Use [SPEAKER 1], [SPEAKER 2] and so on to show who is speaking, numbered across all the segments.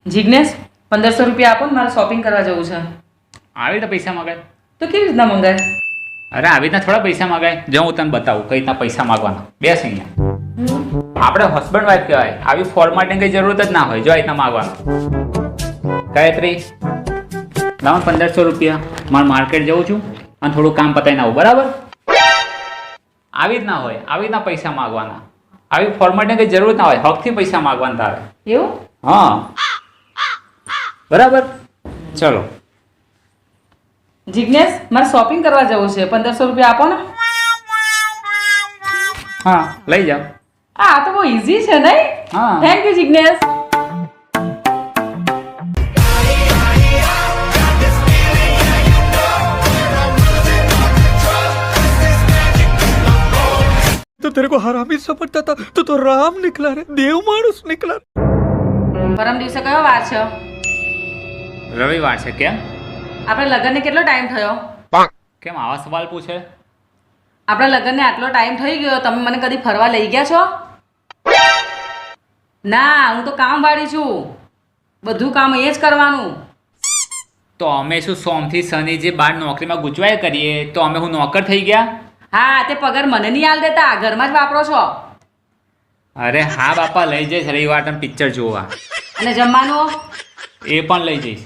[SPEAKER 1] જિગ્નેશ 1500 રૂપિયા આપો ને, મારે શોપિંગ કરવા જવું છે.
[SPEAKER 2] આવી રીતે પૈસા મગાય?
[SPEAKER 1] તો કેવી રીતના મંગાય?
[SPEAKER 2] અરે આવી રીતના થોડા પૈસા મગાય. જો હું તને બતાવું કઈ રીતના પૈસા માગવાના. બેસ અહીંયા. આપણે હસબન્ડ વાઈફ કહેવાય. આવી ફોર્મેટની કઈ જરૂરત જ ના હોય. જો આ રીતના માગવાનું. ગાયત્રી લાવો 1500 રૂપિયા. મારે માર્કેટ જવું છું અને થોડું કામ પતાવીને આવું, બરાબર? આવી રીતના હોય. આવી રીતના પૈસા માગવાના. આવી ફોર્મેટની કઈ જરૂરત ના હોય. હકથી પૈસા માગવાના તારે.
[SPEAKER 1] એવું?
[SPEAKER 2] હા, બરાબર. ચલો.
[SPEAKER 1] જિગ્નેશ, મારે શોપિંગ કરવા જવું છે. 1500 રૂપિયા આપો ને.
[SPEAKER 2] હા, લઈ જાઓ.
[SPEAKER 1] આ તો બહુ ઈઝી છે નહીં?
[SPEAKER 2] હા.
[SPEAKER 1] Thank you Jignesh.
[SPEAKER 3] तो तेरे को हरामी समझता था, तो राम निकला रे, देव मानुस निकला.
[SPEAKER 1] પરમ દિવસે કયો વાર છે?
[SPEAKER 2] રવિવાર છે. કેમ?
[SPEAKER 1] આપણે લગ્નને કેટલો ટાઈમ થયો?
[SPEAKER 2] કેમ આવા સવાલ પૂછે?
[SPEAKER 1] આપણા લગ્નને આટલો ટાઈમ થઈ ગયો, તમે મને કદી ફરવા લઈ ગયા છો? ના, હું તો કામવાળી છું. બધું કામ એ જ કરવાનું.
[SPEAKER 2] તો અમે શું સોમથી શનિ જે બાર નોકરીમાં ગૂંચવાય કરીએ તો અમે હું નોકર થઈ ગયા?
[SPEAKER 1] હા, તે પગાર મને નહીં આલ દેતા, ઘરમાં જ વાપરો છો.
[SPEAKER 2] અરે હા બાપા, લઈ જઈશ રવિવાર તમે પિક્ચર જોવા.
[SPEAKER 1] અને જમવાનું?
[SPEAKER 2] એ પણ લઈ જઈશ.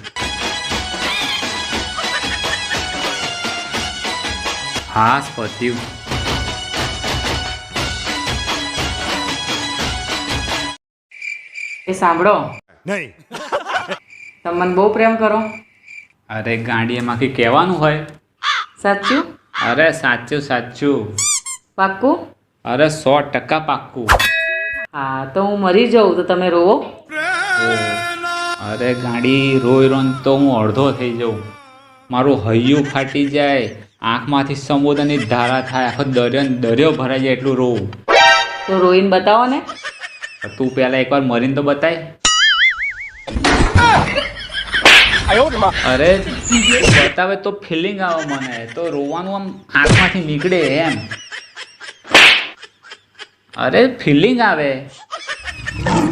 [SPEAKER 2] હા પત્યું.
[SPEAKER 1] એ સાંભળો,
[SPEAKER 3] नहीं.
[SPEAKER 1] તમે મને બહુ પ્રેમ કરો.
[SPEAKER 2] અરે ગાંડી એમાં કંઈ કહેવાનું હોય?
[SPEAKER 1] સાચું?
[SPEAKER 2] અરે સાચું સાચું.
[SPEAKER 1] પાક્કું?
[SPEAKER 2] અરે 100% પાક્કું.
[SPEAKER 1] હા, તો હું મરી જાઉં તો તમે રોવો?
[SPEAKER 2] અરે ગાંડી રોઈ રોન તો હું અડધો થઈ જાઉં. મારું હૈયું ફાટી જાય, આંખમાંથી સમુદ્રની ધારા થાય, આખો દરિયો ભરાઈ જાય એટલું રોવું.
[SPEAKER 1] તો રોઈને બતાવો ને.
[SPEAKER 2] તું પહેલા એકવાર મરીને તો બતાય. અરે બતાવે તો ફિલિંગ આવે મને, તો રોવાનું આમ આંખમાંથી નીકળે એમ. અરે ફિલિંગ આવે.